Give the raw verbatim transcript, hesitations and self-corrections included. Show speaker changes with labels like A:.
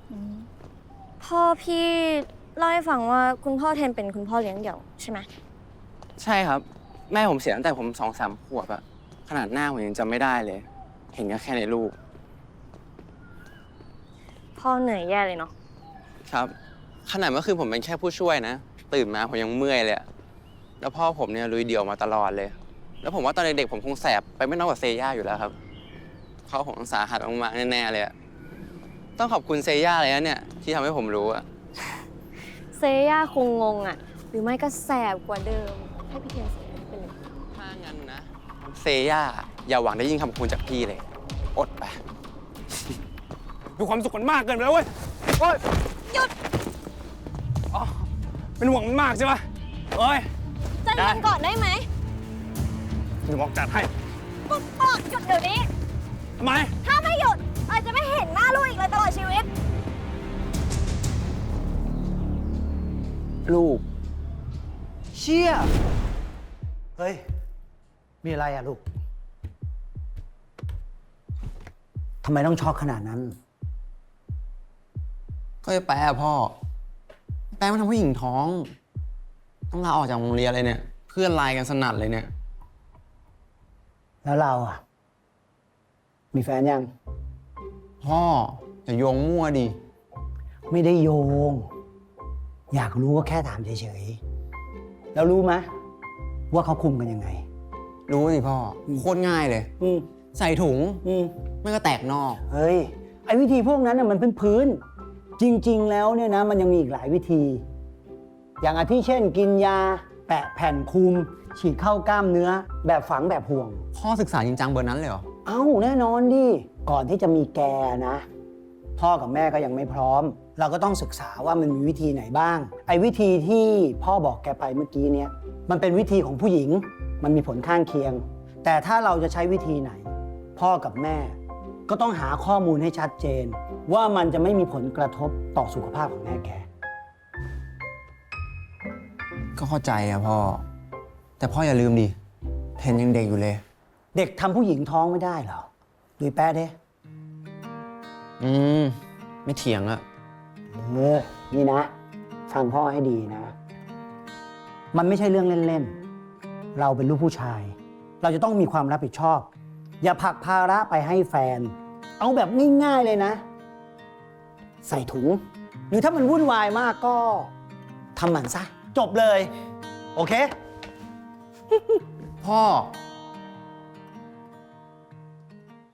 A: พ่อพี่เล่าให้ฟังว่าคุณพ่อเทนเป็นคุณพ่อเลี้ยงเดี่ยวใช่ไหม
B: ใช่ครับแม่ผมเสียตั้งแต่ผมสองสามขวบอะขนาดหน้าผมยังจำไม่ได้เลย เห็นก็แค่ในรูป
A: พ่อเหนื่อยแย่เลยเนาะ
B: ครับขนาดเมื่อคืนผมเป็นแค่ผู้ช่วยนะ ตื่นมาผมยังเมื่อยเลยแล้วพ่อผมเนี่ยลุยเดี่ยวมาตลอดเลย แล้วผมว่าตอนเด็กๆผมคงแสบไปไม่น้อยกว่าเซย่าอยู่แล้วครับพ่อผมสาหัสมากๆแน่ๆเลยต้องขอบคุณเซย่าเลยนะเนี่ยที่ทำให้ผมรู้อะ
A: เซย่าคงงงอ่ะหรือไม่ก็แสบกว่าเดิมให้พี่เทนเสียไปเลย
B: ถ้างั้นนะเซย่าอย่าหวังได้ยิ่งคำคุณจากพี่เลยอดไป
C: ดูความสุขมันมากเกินไปแล้วเว้ยโอ้ย
A: หยุด
C: อ๋อเป็นห่วงมันมากใช่ปะเอ้ย
A: ใจเย็นก่อนได้ไหม
C: เดี๋ยวบอกจัดให้
A: ปุ๊บบอกหยุดเดี๋ยวนี้
C: ทำไม
A: ถ้าไม่หยุดอาจจะไม่เห็นหน้าลูกอีกเลยตลอดชีวิต
D: ลูกเชี่ยเฮ้ยมีอะไรอะลูกทำไมต้องช็อกขนาดนั้น
B: ก็จะแปลพ่อแปลว่าทำผู้หญิงท้องต้องลาออกจากโรงเรียนเลยเนี่ยเพื่อนไลน์กันสนั่นเลยเนี่ย
D: แล้วเราอะมีแฟนยัง
B: พ่ออย่าโยงมั่วดิ
D: ไม่ได้โยงอยากรู้ก็แค่ถามเฉยๆแล้วรู้ไหมว่าเขาคุมกันยังไง
B: รู้สิพ่อโคตรง่ายเลยใส่ถุงไม่ก็แตกนอก
D: เฮ้ยไอ้วิธีพวกนั้นน่ะมันเป็นพื้นจริงๆแล้วเนี่ยนะมันยังมีอีกหลายวิธี อย่างอาทิเช่นกินยาแปะแผ่นคุมฉีดเข้ากล้ามเนื้อแบบฝังแบบห่วง
B: พ่อศึกษาจริงจังเบอร์นั้นเลยเหรอ
D: เอ้าแน่นอนดิก่อนที่จะมีแกนะพ่อกับแม่ก็ยังไม่พร้อมเราก็ต้องศึกษาว่ามันมีวิธีไหนบ้างไอ้วิธีที่พ่อบอกแกไปเมื่อกี้เนี่ยมันเป็นวิธีของผู้หญิงมันมีผลข้างเคียงแต่ถ้าเราจะใช้วิธีไหนพ่อกับแม่ก็ต้องหาข้อมูลให้ชัดเจนว่ามันจะไม่มีผลกระทบต่อสุขภาพของแม่แก
B: ก็เข้าใจอะพ่อแต่พ่ออย่าลืมดิเทนยังเด็กอยู่เลย
D: เด็กทำผู้หญิงท้องไม่ได้เหรอดูแป๊ะเด้
B: อืมไม่เถียงอะ
D: เออนี่นะฟังพ่อให้ดีนะมันไม่ใช่เรื่องเล่นๆเราเป็นลูกผู้ชายเราจะต้องมีความรับผิดชอบอย่าผลักภาระไปให้แฟนเอาแบบง่ายๆเลยนะใส่ถุงหรือถ้ามันวุ่นวายมากก็ทำหมันซะจบเลยโอเค
B: พ่อ